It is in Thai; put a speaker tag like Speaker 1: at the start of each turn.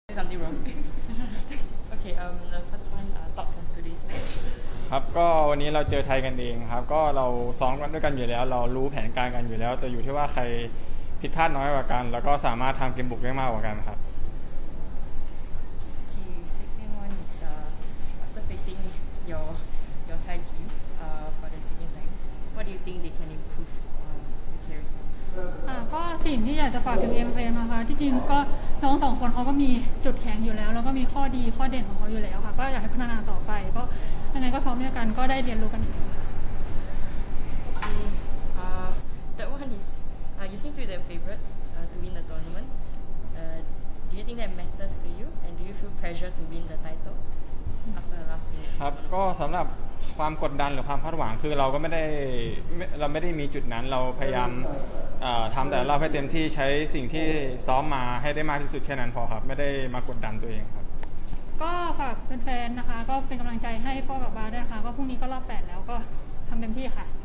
Speaker 1: Something wrong. Okay. The first one, thoughts on today's match.
Speaker 2: ครับก็วันนี้เราเจอไทยกันเองครับก็เราซ้อมกันด้วยกันอยู่แล้วเรารู้แผนการกันอยู่แล้วแต่อยู่ที่ว่าใครผิดพลาดน้อยกว่ากันแล้วก็สามารถทำเกมบุกได้มากกว่ากันครับ
Speaker 1: Okay. Second one is after facing your Thai team for the second time, what do you think they can improve to carry on?
Speaker 3: ก็สิ่งที่อยากจะฝากถึง MFM นะคะที่จริงก็น้องสองคนเขาก็มีจุดแข็งอยู่แล้วแล้วก็มีข้อดีข้อเด่นของเขาอยู่แล้วค่ะก็อยากให้พัฒนาต่อไปก็ยังไงก็ซ้อมด้วยกันก็ได้เรียนรู้กันอยู่
Speaker 1: Okay. That one is you seem to be the favorites to win the tournament. Do you think that matters to you, and do you feel pressure to win the title after the last minute?
Speaker 2: ครับก็สำหรับความกดดันหรือความคาดหวังคือเราไม่ได้มีจุดนั้นเราพยายามทำแต่เราให้เต็มที่ใช้สิ่งที่ซ้อมมาให้ได้มากที่สุดแค่นั้นพอครับไม่ได้มากดดันตัวเองครับ
Speaker 3: ก็ฝากแฟนๆนะคะก็เป็นกำลังใจให้พ่อกับบาสด้วยนะคะก็พรุ่งนี้ก็รอบ8แล้วก็ทำเต็มที่ค่ะ